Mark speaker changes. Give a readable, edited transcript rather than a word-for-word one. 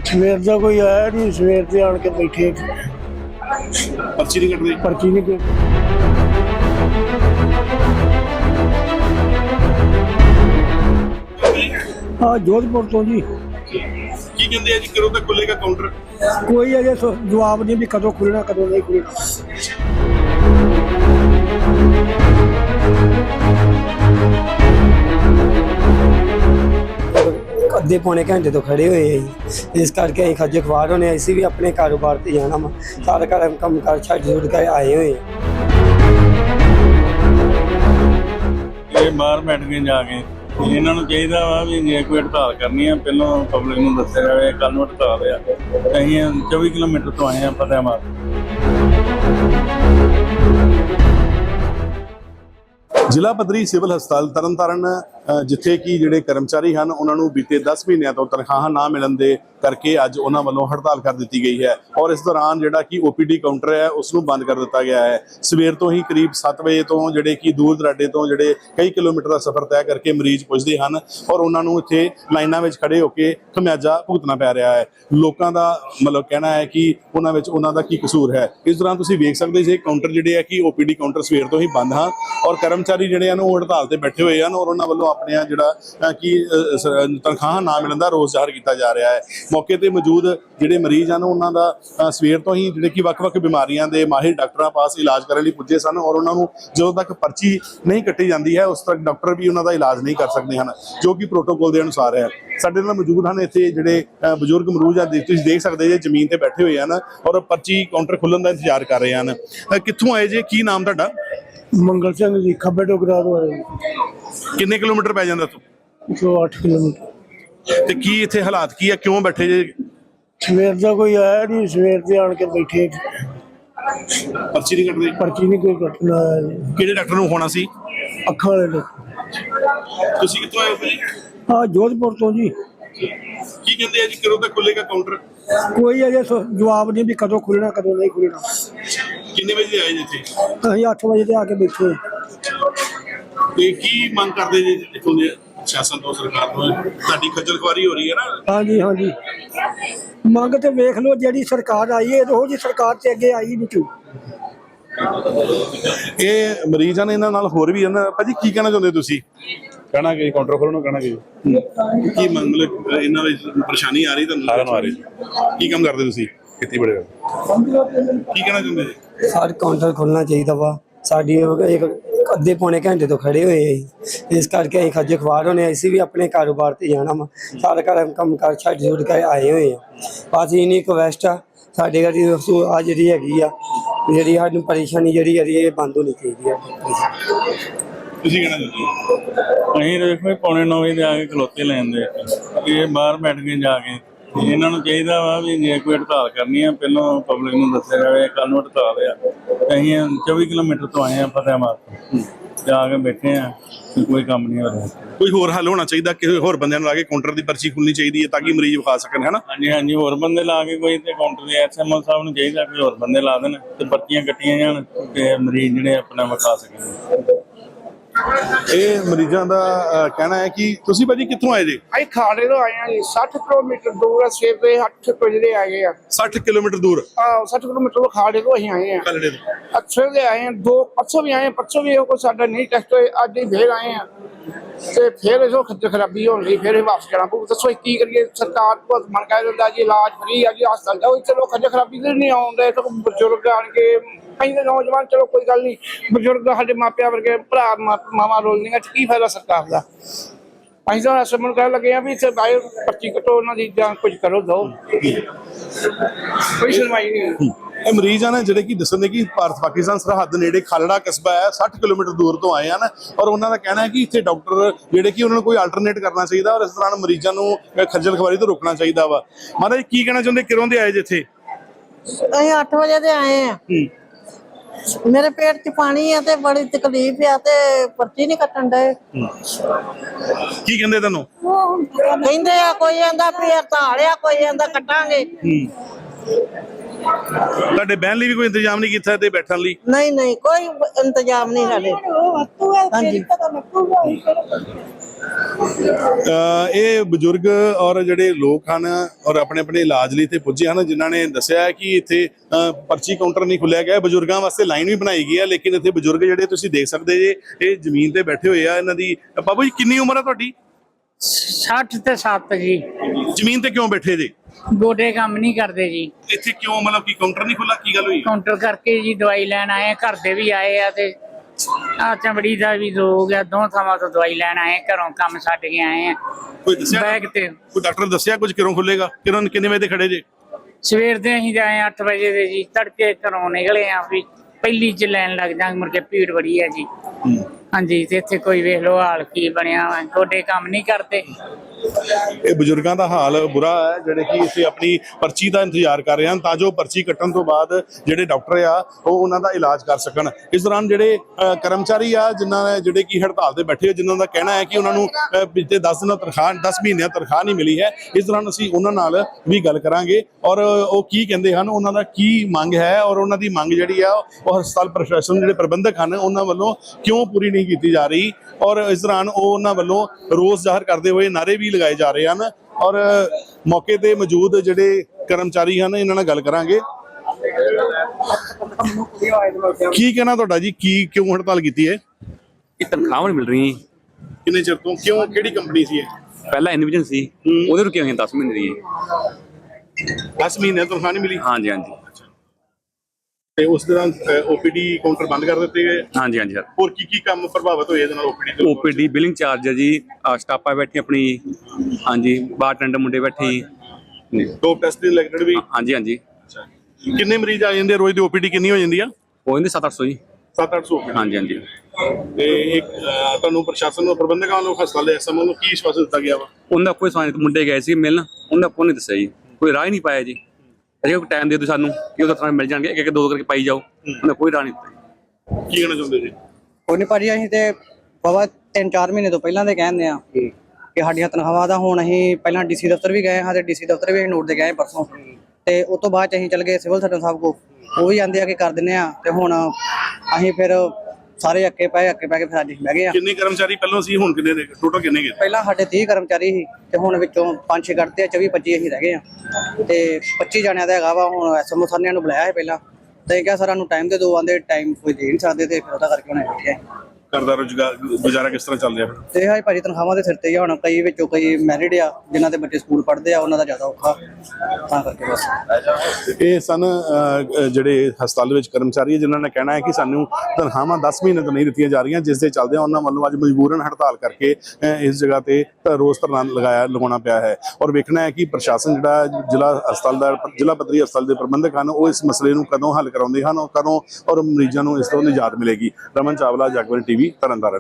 Speaker 1: ਸਵੇਰ ਦਾ ਕੋਈ ਆਇਆ ਨਹੀਂ, ਸਵੇਰ ਦੇ ਆਣ ਕੇ ਬੈਠੇ।
Speaker 2: पर्ची नहीं कट रही।
Speaker 1: ਪਰਚੀ ਨਹੀਂ ਕੋਈ। जोधपुर तो जी।
Speaker 2: की कहते हैं जी करो तक खुलेगा काउंटर?
Speaker 1: कोई अजे जवाब नहीं भी कदों खुलना कदों नहीं खुलना।
Speaker 3: ਅੱਧੇ ਪੌਣੇ ਘੰਟੇ ਤੋਂ ਖੜੇ ਹੋਏ ਆ ਜੀ। ਇਸ ਕਰਕੇ ਅਸੀਂ ਖੱਜੇ ਖਵਾਰ ਹੋਣੇ, ਅਸੀਂ ਵੀ ਆਪਣੇ ਕਾਰੋਬਾਰ ਤੇ ਜਾਣਾ ਵਾ। ਸਾਰਾ ਕੰਮ ਕਾਰ ਛੱਡ ਛੁੱਟ ਕੇ ਆਏ ਹੋਏ ਆ।
Speaker 4: ਇਹ ਬਾਹਰ ਬੈਠ ਕੇ ਜਾ ਕੇ ਇਹਨਾਂ ਨੂੰ ਚਾਹੀਦਾ ਵਾ ਵੀ ਜੇ ਕੋਈ ਹੜਤਾਲ ਕਰਨੀ ਆ ਪਹਿਲਾਂ ਪਬਲਿਕ ਨੂੰ ਦੱਸਿਆ ਜਾਵੇ ਕੱਲ੍ਹ ਨੂੰ ਹੜਤਾਲ ਆ। ਅਸੀਂ 24 ਕਿਲੋਮੀਟਰ ਤੋਂ ਆਏ ਆ ਫਤਿਹਾਬਾਦ।
Speaker 2: ਜ਼ਿਲ੍ਹਾ ਪੱਧਰੀ ਸਿਵਲ ਹਸਪਤਾਲ ਤਰਨਤਾਰਨ ਜਿੱਥੇ ਕਿ ਜਿਹੜੇ ਕਰਮਚਾਰੀ ਹਨ ਉਹਨਾਂ ਨੂੰ ਬੀਤੇ 10 ਮਹੀਨਿਆਂ ਤੋਂ ਤਨਖਾਹਾਂ ਨਾ ਮਿਲਣ ਦੇ ਕਰਕੇ ਅੱਜ ਉਹਨਾਂ ਵੱਲੋਂ ਹੜਤਾਲ ਕਰ ਦਿੱਤੀ ਗਈ ਹੈ ਔਰ ਇਸ ਦੌਰਾਨ ਜਿਹੜਾ ਕਿ OPD ਕਾਊਂਟਰ ਹੈ ਉਸ ਨੂੰ ਬੰਦ ਕਰ ਦਿੱਤਾ ਗਿਆ ਹੈ। ਸਵੇਰ ਤੋਂ ਹੀ ਕਰੀਬ 7 ਵਜੇ ਤੋਂ ਜਿਹੜੇ ਕਿ ਦੂਰ ਦਰਾਡੇ ਤੋਂ ਜਿਹੜੇ ਕਈ ਕਿਲੋਮੀਟਰ ਦਾ ਸਫ਼ਰ ਤੈਅ ਕਰਕੇ ਮਰੀਜ਼ ਪੁੱਜਦੇ ਹਨ ਔਰ ਉਹਨਾਂ ਨੂੰ ਇੱਥੇ ਲਾਈਨਾਂ ਵਿੱਚ ਖੜੇ ਹੋ ਕੇ ਖਮਿਆਜਾ ਭੁਗਤਣਾ ਪੈ ਰਿਹਾ ਹੈ। ਲੋਕਾਂ ਦਾ ਮਤਲਬ ਕਹਿਣਾ ਹੈ ਕਿ ਉਹਨਾਂ ਵਿੱਚ ਉਹਨਾਂ ਦਾ ਕੀ ਕਸੂਰ ਹੈ। ਇਸ ਦੌਰਾਨ ਤੁਸੀਂ ਵੇਖ ਸਕਦੇ ਜੇ ਕਾਊਂਟਰ ਜਿਹੜੇ ਆ ਕਿ OPD ਕਾਊਂਟਰ ਸਵੇਰ ਤੋਂ ਹੀ ਬੰਦ ਹਨ ਔਰ ਕਰਮਚਾਰੀ ਜਿਹੜੇ ਹਨ ਉਹ ਹੜਤਾਲ ਤੇ ਬੈਠੇ ਹੋਏ ਹਨ ਔਰ ਉਹਨਾਂ ਵੱਲੋਂ ਆਪਣੀਆਂ ਜਿਹੜਾ ਕਿ ਤਨਖਾਹਾਂ ਨਾ ਮਿਲਣ ਦਾ ਰੋਸ ਜ਼ਾਹਰ ਕੀਤਾ ਜਾ ਰਿਹਾ ਹੈ। ਮੌਕੇ ਤੇ ਮੌਜੂਦ ਜਿਹੜੇ ਮਰੀਜ਼ ਹਨ ਉਹਨਾਂ ਦਾ ਸਵੇਰ ਤੋਂ ਹੀ ਜਿਹੜੇ ਕਿ ਵੱਖ-ਵੱਖ ਬਿਮਾਰੀਆਂ ਦੇ ਮਾਹਿਰ ਡਾਕਟਰਾਂ ਪਾਸ ਇਲਾਜ ਕਰਨ ਲਈ ਪੁੱਜੇ ਸਨ ਔਰ ਉਹਨਾਂ ਨੂੰ ਜਦੋਂ ਤੱਕ ਪਰਚੀ ਨਹੀਂ ਕੱਟੀ ਜਾਂਦੀ ਹੈ ਉਸ ਤੱਕ ਡਾਕਟਰ ਵੀ ਉਹਨਾਂ ਦਾ ਇਲਾਜ ਨਹੀਂ ਕਰ ਸਕਦੇ ਹਨ ਜੋ ਕਿ ਪ੍ਰੋਟੋਕੋਲ ਦੇ ਅਨੁਸਾਰ ਹੈ। ਸਾਡੇ ਨਾਲ ਮੌਜੂਦ ਹਨ ਇੱਥੇ ਜਿਹੜੇ ਬਜ਼ੁਰਗ ਮਰੀਜ਼ ਆ, ਤੁਸੀਂ ਦੇਖ ਸਕਦੇ ਜੇ ਜ਼ਮੀਨ ਤੇ ਬੈਠੇ ਹੋਏ ਹਨ ਔਰ ਪਰਚੀ ਕਾਊਂਟਰ ਖੁੱਲਣ ਦਾ ਇੰਤਜ਼ਾਰ ਕਰ ਰਹੇ ਹਨ। ਕਿੱਥੋਂ ਆਏ ਜੇ, ਕੀ ਨਾਮ ਤੁਹਾਡਾ?
Speaker 1: मंगल सिंह जी, खब्बे डोगरा तो आए।
Speaker 2: ਕਿੰਨੇ ਕਿਲੋਮੀਟਰ ਪੈ ਜਾਂਦਾ ਤੂੰ?
Speaker 1: 108 किलोमीटर।
Speaker 2: ਤੇ ਕੀ ਇੱਥੇ ਹਾਲਾਤ ਕੀ ਆ, ਕਿਉਂ ਬੈਠੇ ਜੇ?
Speaker 1: ਸਵੇਰ ਦਾ ਕੋਈ ਆਇਆ ਨਹੀਂ, ਸਵੇਰ ਦੇ ਆਣ ਕੇ ਬੈਠੇ।
Speaker 2: ਪਰਚੀ ਨਹੀਂ ਕੱਟ ਰਹੀ।
Speaker 1: ਪਰਚੀ ਨਹੀਂ ਕੋਈ ਕੱਟਣਾ।
Speaker 2: ਕਿਹੜੇ ਡਾਕਟਰ ਨੂੰ ਹੋਣਾ ਸੀ?
Speaker 1: ਅੱਖਾਂ ਵਾਲੇ ਨੇ।
Speaker 2: ਤੁਸੀਂ ਕਿੱਥੋਂ ਆਏ ਹੋ ਜੀ?
Speaker 1: जोधपुर तो जी।
Speaker 2: ਕੀ ਕਹਿੰਦੇ ਆ ਜੀ ਕਦੋਂ ਤੱਕ ਖੁੱਲੇਗਾ ਕਾਊਂਟਰ?
Speaker 1: कोई अजे जवाब नहीं भी कदों खुलना कदों नहीं खुलना।
Speaker 2: ਕਿੰਨੇ ਵਜੇ ਆਏ ਜੀ ਇੱਥੇ?
Speaker 1: ਅਸੀਂ 8 ਵਜੇ ਤੇ ਆ ਕੇ ਬੈਠੇ।
Speaker 2: ਤੇ ਕੀ ਮੰਗ ਕਰਦੇ ਜੀ ਇੱਥੋਂ ਦੇ ਸ਼ਾਸਨ ਤੋਂ, ਸਰਕਾਰ ਤੋਂ? ਤੁਹਾਡੀ ਖੱਜਲ ਖੁਆਰੀ ਹੋ ਰਹੀ ਹੈ ਨਾ।
Speaker 1: ਹਾਂਜੀ ਹਾਂਜੀ, ਮੰਗ ਤੇ ਵੇਖ ਲਓ ਜਿਹੜੀ ਸਰਕਾਰ ਆਈ ਹੈ ਇਹੋ ਜਿਹੀ ਸਰਕਾਰ ਤੇ ਅੱਗੇ ਆਈ ਨਹੀਂ ਕੋਈ।
Speaker 2: ਇਹ ਮਰੀਜ਼ਾਂ ਨੇ ਇਹਨਾਂ ਨਾਲ ਹੋਰ ਵੀ ਹਨ। ਭਾਜੀ ਕੀ ਕਹਿਣਾ ਚਾਹੁੰਦੇ ਤੁਸੀਂ? ਕਹਿਣਾ ਕਿ ਕਾਊਂਟਰ ਖੋਲਣ ਨੂੰ ਕਹਿਣਾ ਕਿ ਕੀ ਮਤਲਬ ਇਹਨਾਂ ਵਿੱਚ ਪਰੇਸ਼ਾਨੀ ਆ ਰਹੀ ਤੁਹਾਨੂੰ? ਸਾਰਿਆਂ ਨੂੰ ਆ ਰਹੀ। ਕੀ ਕੰਮ ਕਰਦੇ ਤੁਸੀਂ? ਖੇਤੀ ਬੜੇ ਕੀ ਕਹਿਣਾ ਚਾਹੁੰਦੇ ਜੀ?
Speaker 3: ਸਾਡਾ ਕਾਊਂਟਰ ਖੋਲ੍ਹਣਾ ਚਾਹੀਦਾ ਵਾ। ਸਾਡੀ ਇੱਕ ਅੱਧੇ ਪੌਣੇ ਘੰਟੇ ਤੋਂ ਖੜੇ ਹੋਏ ਆ ਜੀ। ਇਸ ਕਰਕੇ ਅਸੀਂ ਖੱਜੇ ਖਵਾਰ ਹੋਣੇ, ਅਸੀਂ ਵੀ ਆਪਣੇ ਕਾਰੋਬਾਰ ਤੇ ਜਾਣਾ ਵਾ। ਸਾਰਾ ਕੰਮ ਕਾਰ ਛੱਡ ਛੁੱਟ ਕੇ ਆਏ ਹੋਏ ਆ। ਬਸ ਇਹਨੀ ਰਿਕੁਐਸਟ ਆ ਸਾਡੇ ਘਰ ਆ ਜਿਹੜੀ ਹੈਗੀ ਆ, ਜਿਹੜੀ ਸਾਨੂੰ ਪਰੇਸ਼ਾਨੀ ਜਿਹੜੀ ਇਹ ਬੰਦ ਹੋਣੀ ਚਾਹੀਦੀ ਆ।
Speaker 2: ਤੁਸੀਂ ਕਹਿਣਾ ਚਾਹੁੰਦੇ ਹੋ?
Speaker 4: ਅਸੀਂ ਦੇਖੋ ਪੌਣੇ 9 ਵਜੇ ਆ ਕੇ ਖਲੋਤੇ ਲੈਂਦੇ ਇਹ ਬਾਹਰ ਬੈਠ ਕੇ ਜਾ ਕੇ ਇਹਨਾਂ ਨੂੰ ਚਾਹੀਦਾ ਵਾ ਵੀ ਜੇ ਕੋਈ ਹੜਤਾਲ ਕਰਨੀ ਆ ਪਹਿਲਾਂ ਪਬਲਿਕ ਨੂੰ ਦੱਸਿਆ ਜਾਵੇ ਕੱਲ੍ਹ ਨੂੰ ਹੜਤਾਲ ਆ। ਅਸੀਂ 24 ਕਿਲੋਮੀਟਰ ਤੋਂ ਆਏ ਆ ਫਤਿਹਾਬਾਦ ਤੇ ਆ ਕੇ ਬੈਠੇ ਆ, ਕੋਈ ਕੰਮ ਨਹੀਂ ਹੋ ਰਿਹਾ।
Speaker 2: ਕੋਈ ਹੋਰ ਹੱਲ ਹੋਣਾ ਚਾਹੀਦਾ, ਕਿਸੇ ਹੋਰ ਬੰਦਿਆਂ ਨੂੰ ਲਾ ਕੇ ਕਾਊਂਟਰ ਦੀ ਪਰਚੀ ਖੁੱਲਣੀ ਚਾਹੀਦੀ ਹੈ ਤਾਂ ਕਿ ਮਰੀਜ਼ ਵਿਖਾ ਸਕਣ, ਹੈ ਨਾ?
Speaker 4: ਹਾਂਜੀ ਹਾਂਜੀ, ਹੋਰ ਬੰਦੇ ਲਾ ਕੇ ਕੋਈ ਤੇ ਕਾਊਂਟਰ ਦੇ SMO ਸਾਹਿਬ ਨੂੰ ਚਾਹੀਦਾ ਕੋਈ ਹੋਰ ਬੰਦੇ ਲਾ ਦੇਣ ਤੇ ਪਰਚੀਆਂ ਕੱਟੀਆਂ ਜਾਣ ਤੇ ਮਰੀਜ਼ ਜਿਹੜੇ ਆਪਣਾ ਵਿਖਾ ਸਕਣ।
Speaker 2: ਇਹ ਮਰੀਜ਼ਾਂ ਦਾ ਕਹਿਣਾ ਹੈ ਕਿ ਤੁਸੀਂ ਭਾਜੀ ਕਿੱਥੋਂ ਆਏ ਜੀ?
Speaker 5: ਅਸੀਂ ਖਾੜੇ ਤੋਂ ਆਏ ਹਾਂ ਜੀ। 60 ਕਿਲੋਮੀਟਰ ਦੂਰ ਆ, ਸਵੇਰ ਦੇ 8 ਵਜੇ ਆ ਗਏ ਆ।
Speaker 2: 60 ਕਿਲੋਮੀਟਰ ਦੂਰ?
Speaker 5: 60 ਕਿਲੋਮੀਟਰ ਖਾੜੇ ਤੋਂ ਅਸੀਂ ਆਏ ਆ।
Speaker 2: ਖਲੜੇ ਤੋਂ?
Speaker 5: ਅੱਛੇ ਦੇ ਆਏ ਆ, ਪਰਸੋਂ ਵੀ ਆਏ ਆ। ਪਰਸੋਂ ਵੀ ਕੋਈ ਸਾਡਾ ਨਹੀਂ ਟੈਸਟ ਹੋਏ, ਅੱਜ ਹੀ ਫੇਰ ਆਏ ਆ ਤੇ ਫੇਰ ਇਹੋ ਖੱਜਲ ਖਰਾਬੀ ਹੋਣ ਲਈ ਫੇਰ ਵਾਪਸ ਜਾਣਾ ਪਊ। ਦੱਸੋ ਕੀ ਕਰੀਏ? ਸਰਕਾਰ ਤੋਂ ਮਨ ਕਹਿ ਦਿੰਦਾ ਜੀ ਇਲਾਜ ਫਰੀ ਆ ਜੀ, ਹਸਪਤਾਲ ਜਾਓ। ਚਲੋ ਖੱਜਲ ਖਰਾਬੀ ਤੇ ਨਹੀਂ ਆਉਂਦੇ, ਬਜ਼ੁਰਗ ਆਣ ਕੇ ਅਸੀਂ ਤਾਂ ਨੌਜਵਾਨ, ਚਲੋ ਕੋਈ ਗੱਲ ਨਹੀਂ। ਬਜ਼ੁਰਗ ਸਾਡੇ ਮਾਪਿਆਂ ਵਰਗੇ ਭਰਾ ਮਾਵਾਂ ਰੋਲਦੀਆਂ, ਕੀ ਫਾਇਦਾ ਸਰਕਾਰ ਦਾ? ਅਸੀਂ ਤਾਂ ਸਮਝ ਕਹਿਣ ਲੱਗੇ ਆ ਵੀ ਇੱਥੇ ਬਾਹਰ ਪਰਚੀ ਕੱਟੋ ਉਹਨਾਂ ਦੀ ਜਾਂ ਕੁਝ ਕਰੋ, ਦੋ ਕੋਈ ਸੁਣਵਾਈ ਨਹੀਂ।
Speaker 2: ਇਹ ਮਰੀਜ਼ ਹਨ ਜਿਹੜੇ ਕਿ ਦੱਸਦੇ ਕਿ ਭਾਰਤ ਪਾਕਿਸਤਾਨ ਸਰਹੱਦ ਨੇੜੇ ਖਾਲੜਾ ਕਸਬਾ ਹੈ, 60 ਕਿਲੋਮੀਟਰ ਦੂਰ ਤੋਂ ਆਏ ਹਨ ਔਰ ਉਹਨਾਂ ਦਾ ਕਹਿਣਾ ਹੈ ਕਿ ਇੱਥੇ ਡਾਕਟਰ ਜਿਹੜੇ ਕਿ ਉਹਨਾਂ ਨੂੰ ਕੋਈ ਆਲਟਰਨੇਟ ਕਰਨਾ ਚਾਹੀਦਾ ਔਰ ਇਸ ਦੌਰਾਨ ਮਰੀਜ਼ਾਂ ਨੂੰ ਖੱਜਲ ਖਵਾਰੀ ਤੋਂ ਰੋਕਣਾ ਚਾਹੀਦਾ ਵਾ। ਮਹਾਰਾਜ ਕੀ ਕਹਿਣਾ ਚਾਹੁੰਦੇ, ਕਿਰੋਂ ਦੇ ਆਏ ਜਿੱਥੇ?
Speaker 6: ਅਸੀਂ 8 ਵਜੇ ਦੇ ਆਏ ਆ। ਮੇਰੇ ਪੇਟ 'ਚ ਪਾਣੀ ਆ ਤੇ ਬੜੀ ਤਕਲੀਫ ਆ ਤੇ ਪਰਚੀ ਨਹੀਂ ਕੱਟਣ ਦੇ।
Speaker 2: ਕੀ ਕਹਿੰਦੇ ਤੁਹਾਨੂੰ?
Speaker 6: ਕਹਿੰਦੇ ਆ ਕੋਈ ਕਹਿੰਦਾ ਵੀ ਹੜਤਾਲ ਆ, ਕੋਈ ਕਹਿੰਦਾ ਕੱਟਾਂਗੇ।
Speaker 2: ਤੁਹਾਡੇ ਬਹਿਣ ਲਈ ਵੀ ਕੋਈ ਇੰਤਜ਼ਾਮ ਨਹੀਂ ਕੀਤਾ ਤੇ ਬੈਠਣ ਲਈ?
Speaker 6: ਨਹੀਂ ਨਹੀਂ ਕੋਈ ਇੰਤਜ਼ਾਮ ਨਹੀਂ ਸਾਡੇ। ਹਾਂਜੀ
Speaker 2: ਇਹ ਬਜ਼ੁਰਗ ਔਰ ਜਿਹੜੇ ਲੋਕ ਹਨ ਔਰ ਆਪਣੇ ਆਪਣੇ ਇਲਾਜ ਲਈ ਇੱਥੇ ਪੁੱਜੇ ਹਨ, ਜਿਨ੍ਹਾਂ ਨੇ ਦੱਸਿਆ ਹੈ ਕਿ ਇੱਥੇ ਪਰਚੀ ਕਾਊਂਟਰ ਨਹੀਂ ਖੁੱਲਿਆ ਗਿਆ। ਬਜ਼ੁਰਗਾਂ ਵਾਸਤੇ ਲਾਈਨ ਵੀ ਬਣਾਈ ਗਈ ਹੈ, ਲੇਕਿਨ ਇੱਥੇ ਬਜ਼ੁਰਗ ਜਿਹੜੇ ਤੁਸੀਂ ਦੇਖ ਸਕਦੇ ਜੇ ਇਹ ਜ਼ਮੀਨ ਤੇ ਬੈਠੇ ਹੋਏ ਆ। ਇਹਨਾਂ ਦੀ ਬਾਬੂ ਜੀ ਕਿੰਨੀ ਉਮਰ ਹੈ ਤੁਹਾਡੀ?
Speaker 7: 60 ਤੇ 7 ਜੀ।
Speaker 2: ਜ਼ਮੀਨ ਤੇ ਕਿਉਂ ਬੈਠੇ ਜੇ?
Speaker 7: ਗੋਡੇ ਕੰਮ ਨਹੀਂ ਕਰਦੇ ਜੀ।
Speaker 2: ਇੱਥੇ ਕਿਉਂ, ਮਤਲਬ ਕਿ ਕਾਊਂਟਰ ਨਹੀਂ ਖੁੱਲਾ, ਕੀ ਗੱਲ ਹੋਈ?
Speaker 7: ਕਾਊਂਟਰ ਕਰਕੇ ਜੀ ਦਵਾਈ ਲੈਣ ਆਏ ਆ, ਘਰ ਦੇ ਵੀ ਆਏ ਆ ਤੇ ਆ ਚਮੜੀ ਦਾ ਵੀ ਰੋਗ ਆ। ਦੋ ਥਾਵਾਂ ਤੋਂ ਦਵਾਈ ਲੈਣ ਆਏ, ਘਰੋਂ ਕੰਮ ਛੱਡ ਕੇ ਆਏ ਆ।
Speaker 2: ਕੋਈ ਦੱਸਿਆ
Speaker 7: ਬੈਗ ਤੇ
Speaker 2: ਕੋਈ ਡਾਕਟਰ ਦੱਸਿਆ ਕੁਝ ਕਿਉਂ ਖੁੱਲੇਗਾ? ਕਿੰਨੇ ਵਜੇ ਤੇ ਖੜੇ ਜੇ?
Speaker 7: ਸਵੇਰ ਦੇ ਅਸੀਂ ਜਾਏ 8 ਵਜੇ ਦੇ ਜੀ, ਤੜਕੇ ਘਰੋਂ ਨਿਕਲੇ ਆ ਵੀ ਪਹਿਲੀ ਚ ਲੈਣ ਲੱਗ ਜਾਂਗੇ, ਮੁੜ ਕੇ ਭੀੜ ਬੜੀ ਹੈ ਜੀ। ਹਾਂਜੀ ਤੇ ਇੱਥੇ ਕੋਈ ਵੇਖ ਲਓ ਹਾਲ ਕੀ ਬਣਿਆ ਵਾ, ਗੋਡੇ ਕੰਮ ਨਹੀਂ ਕਰਦੇ।
Speaker 2: ਇਹ ਬਜ਼ੁਰਗਾਂ ਦਾ ਹਾਲ ਬੁਰਾ ਹੈ, ਜਿਹੜੇ ਕਿ ਇੱਥੇ ਆਪਣੀ ਪਰਚੀ ਦਾ ਇੰਤਜ਼ਾਰ ਕਰ ਰਹੇ ਹਨ ਤਾਂ ਜੋ ਪਰਚੀ ਕੱਟਣ ਤੋਂ ਬਾਅਦ ਜਿਹੜੇ ਡਾਕਟਰ ਆ ਉਹ ਉਹਨਾਂ ਦਾ ਇਲਾਜ ਕਰ ਸਕਣ। ਇਸ ਦੌਰਾਨ ਜਿਹੜੇ ਕਰਮਚਾਰੀ ਆ ਜਿਨ੍ਹਾਂ ਨੇ ਜਿਹੜੇ ਕਿ ਹੜਤਾਲ ਤੇ ਬੈਠੇ, ਜਿਨ੍ਹਾਂ ਦਾ ਕਹਿਣਾ ਹੈ ਕਿ ਉਹਨਾਂ ਨੂੰ ਪਿਛਲੇ 10 ਦਿਨਾਂ ਤਨਖਾਹ 10 ਮਹੀਨਿਆਂ ਤਨਖਾਹ ਨਹੀਂ ਮਿਲੀ ਹੈ। ਇਸ ਦੌਰਾਨ ਅਸੀਂ ਉਹਨਾਂ ਨਾਲ ਵੀ ਗੱਲ ਕਰਾਂਗੇ ਔਰ ਉਹ ਕੀ ਕਹਿੰਦੇ ਹਨ, ਉਹਨਾਂ ਦਾ ਕੀ ਮੰਗ ਹੈ ਔਰ ਉਹਨਾਂ ਦੀ ਮੰਗ ਜਿਹੜੀ ਆ ਉਹ ਹਸਪਤਾਲ ਪ੍ਰਸ਼ਾਸਨ ਜਿਹੜੇ ਪ੍ਰਬੰਧਕ ਹਨ ਉਹਨਾਂ ਵੱਲੋਂ ਕਿਉਂ ਪੂਰੀ ਨਹੀਂ ਕੀਤੀ ਜਾ ਰਹੀ। ਔਰ ਇਸ ਦੌਰਾਨ ਉਹ ਉਹਨਾਂ ਵੱਲੋਂ ਰੋਸ ਜ਼ਾਹਰ ਕਰਦੇ ਹੋਏ ਨਾਅਰੇ ਵੀ ਲਗਾਏ ਜਾ ਰਹੇ ਹਨ ਔਰ ਮੌਕੇ ਤੇ ਮੌਜੂਦ ਜਿਹੜੇ ਕਰਮਚਾਰੀ ਹਨ ਇਹਨਾਂ ਨਾਲ ਗੱਲ ਕਰਾਂਗੇ। ਕੀ ਕਹਿਣਾ ਤੁਹਾਡਾ ਜੀ, ਕਿਉਂ ਹੜਤਾਲ ਕੀਤੀ ਹੈ?
Speaker 8: ਇਹ ਤਨਖਾਹਾਂ ਨਹੀਂ ਮਿਲ ਰਹੀਆਂ।
Speaker 2: ਕਿੰਨੇ ਚਿਰ ਤੋਂ? ਕਿਉਂ, ਕਿਹੜੀ ਕੰਪਨੀ ਸੀ ਇਹ?
Speaker 8: ਪਹਿਲਾਂ ਇਨਵੀਜਨ ਸੀ, ਉਹਦੇ ਰੁਕੇ ਹੋਏ 10 ਮਹੀਨੇ ਦੀ।
Speaker 2: 10 ਮਹੀਨੇ ਤਨਖਾਹ ਨਹੀਂ ਮਿਲੀ?
Speaker 8: ਹਾਂਜੀ ਹਾਂਜੀ
Speaker 2: ਤੇ ਉਸ ਦੌਰਾਨ ਓਪੀਡੀ ਕਾਊਂਟਰ ਬੰਦ ਕਰ ਦਿੱਤੇ ਗਏ?
Speaker 8: ਹਾਂਜੀ ਹਾਂਜੀ ਸਰ।
Speaker 2: ਹੋਰ ਕੀ ਕੰਮ ਪ੍ਰਭਾਵਿਤ ਹੋਏ ਇਹਦੇ ਨਾਲ ਓਪੀਡੀ ਦੇ?
Speaker 8: ਓਪੀਡੀ ਬਿਲਿੰਗ ਚਾਰਜ ਹੈ ਜੀ, ਸਟਾਫਾਂ ਬੈਠੀ ਆਪਣੀ। ਹਾਂਜੀ ਬਾਰਟੈਂਡਰ ਮੁੰਡੇ ਬੈਠੇ।
Speaker 2: ਡੋਪ ਟੈਸਟ ਦੇ ਰਿਲੇਟਡ ਵੀ?
Speaker 8: ਹਾਂਜੀ ਹਾਂਜੀ।
Speaker 2: ਕਿੰਨੇ ਮਰੀਜ਼ ਆ ਜਾਂਦੇ ਰੋਜ਼ ਦੀ? ਓਪੀਡੀ ਕਿੰਨੀ ਹੋ ਜਾਂਦੀ ਆ?
Speaker 8: ਹੋ ਜਾਂਦੇ 700-800 ਜੀ।
Speaker 2: 700-800 ਓਪੀਡੀ?
Speaker 8: ਹਾਂਜੀ ਹਾਂਜੀ।
Speaker 2: ਤੇ ਇੱਕ ਤੁਹਾਨੂੰ ਪ੍ਰਸ਼ਾਸਨ ਨੂੰ, ਪ੍ਰਬੰਧਕਾਂ ਵੱਲੋਂ, ਹਸਪਤਾਲ ਦੇ ਐਸਐਮਓ ਨੂੰ ਕੀ ਵਿਸ਼ਵਾਸ ਦਿੱਤਾ ਗਿਆ ਵਾ?
Speaker 8: ਉਹਦਾ ਕੋਈ ਸਵਾਲ ਨਹੀਂ। ਮੁੰਡੇ ਗਏ ਸੀ ਮਿਲਣ, ਉਹਦਾ ਕੋਈ ਨਹੀਂ ਦੱਸਿਆ ਜੀ, ਕੋਈ ਰਾਹ ਹੀ ਨਹੀਂ ਪਾਇਆ ਜੀ। ਅਜੇ ਕੋਈ ਟਾਈਮ ਦੇ ਦਿਓ ਸਾਨੂੰ ਕਿ ਉਹਦਾ ਥਾਂ ਮਿਲ ਜਾਣਗੇ, ਇੱਕ ਦੋ ਕਰਕੇ ਪਾਈ ਜਾਓ। ਉਹਦਾ ਕੋਈ ਰਾਹ ਨਹੀਂ ਦਿੱਤਾ।
Speaker 2: ਕੀ ਕਹਿਣਾ ਚਾਹੁੰਦੇ ਜੀ?
Speaker 9: ਕੋਈ ਨਹੀਂ ਭਾਜੀ, ਅਸੀਂ ਤੇ ਬਾਬਾ 3-4 ਮਹੀਨੇ ਤੋਂ ਪਹਿਲਾਂ ਦੇ ਕਹਿੰਦੇ ਆ ਕਿ ਸਾਡੀਆਂ ਤਨਖਾਹਾਂ ਦਾ ਹੁਣ ਅਸੀਂ ਪਹਿਲਾਂ ਡੀਸੀ ਦਫ਼ਤਰ ਵੀ ਗਏ ਹਾਂ ਤੇ ਡੀਸੀ ਦਫ਼ਤਰ ਵੀ ਅਸੀਂ ਨੋਟ ਦੇ ਗਏ ਪਰਸੋਂ, ਤੇ ਉਸ ਤੋਂ ਬਾਅਦ ਅਸੀਂ ਚੱਲ ਗਏ ਸਿਵਲ ਸਰਜਨ ਸਾਹਿਬ ਕੋ, ਉਹ ਵੀ ਆਂਦੇ ਆ ਕਿ ਕਰ ਦਿੰਦੇ ਆ। ਤੇ ਹੁਣ ਅਸੀਂ ਫਿਰ ਸਾਰੇ ਅੱਕੇ ਪਏ ਕੇ ਫਿਰ ਅੱਜ ਬਹਿ ਗਏ ਆ।
Speaker 2: ਕਿੰਨੇ ਕਰਮਚਾਰੀ ਪਹਿਲਾਂ ਸੀ, ਹੁਣ ਕਿੰਨੇ ਨੇ? ਟੋਟਲ ਕਿੰਨੇ ਗਏ?
Speaker 9: ਪਹਿਲਾਂ ਸਾਡੇ 30 ਕਰਮਚਾਰੀ ਸੀ ਤੇ ਹੁਣ ਵਿੱਚੋਂ 5-6 ਕੱਢਦੇ ਆ, 24-25 ਅਸੀਂ ਰਹਿ ਗਏ ਆ ਤੇ 25 ਜਣਿਆਂ ਦਾ ਹੈਗਾ ਵਾ। ਹੁਣ ਐਸਐਮਓ ਸਾਰਿਆਂ ਨੂੰ ਬੁਲਾਇਆ ਹੈ ਪਹਿਲਾਂ, ਤੇ ਕਿਹਾ ਸਰ ਨੂੰ ਟਾਈਮ ਦੇ ਦਿਓ, ਆਂਦੇ ਟਾਈਮ ਕੋਈ ਦੇ ਨਹੀਂ ਸਕਦੇ, ਤੇ ਫਿਰ ਉਹਦਾ ਕਰਕੇ ਹੁਣ ਬੈਠੇ ਆ।
Speaker 2: ਘਰ ਦਾ ਰੁਜ਼ਗਾਰ ਗੁਜ਼ਾਰਾ ਕਿਸ ਤਰ੍ਹਾਂ ਚੱਲ ਰਿਹਾ ਫਿਰ?
Speaker 9: ਤੇ ਹਾਂ ਭਾਜੀ ਤਨਖਾਹਾਂ ਦੇ ਸਿਰ ਤੇ ਹੀ ਆ ਹੁਣ। ਕਈ ਵਿੱਚੋਂ ਕਈ ਮੈਰਿਡ ਆ, ਜਿਨ੍ਹਾਂ ਦੇ ਬੱਚੇ ਸਕੂਲ ਪੜ੍ਹਦੇ ਆ, ਉਹਨਾਂ ਦਾ ਜ਼ਿਆਦਾ ਔਖਾ, ਤਾਂ ਕਰਕੇ ਬਸ।
Speaker 2: ਇਹ ਸਨ ਜਿਹੜੇ ਹਸਪਤਾਲ ਦੇ ਵਿੱਚ ਕਰਮਚਾਰੀ ਜਿਨ੍ਹਾਂ ਨੇ ਕਹਿਣਾ ਹੈ ਕਿ ਸਾਨੂੰ ਤਨਖਾਹਾਂ 10 ਮਹੀਨੇ ਤੋਂ ਨਹੀਂ ਦਿੱਤੀਆਂ ਜਾ ਰਹੀਆਂ, ਜਿਸ ਦੇ ਚੱਲਦੇ ਉਹਨਾਂ ਵੱਲੋਂ ਅੱਜ ਮਜਬੂਰਨ ਹੜਤਾਲ ਕਰਕੇ ਇਸ ਜਗ੍ਹਾ ਤੇ ਰੋਸ ਧਰਨਾ ਲਗਾਉਣਾ ਪਿਆ ਹੈ। ਔਰ ਵੇਖਣਾ ਹੈ ਕਿ ਪ੍ਰਸ਼ਾਸਨ ਜਿਹੜਾ ਜ਼ਿਲ੍ਹਾ ਪੱਧਰੀ ਹਸਪਤਾਲ ਦੇ ਪ੍ਰਬੰਧਕ ਹਨ ਉਹ ਇਸ ਮਸਲੇ ਨੂੰ ਕਦੋਂ ਹੱਲ ਕਰਾਉਂਦੇ ਹਨ ਔਰ ਕਦੋਂ ਔਰ ਮਰੀਜ਼ਾਂ ਨੂੰ ਇਸ ਤੋਂ ਨਿਜਾਤ ਮਿਲੇਗੀ। ਰਮਨ ਚਾਵਲਾ, ਜਗਬਾਣੀ TV, ਤਰਨਤਾਰਨ।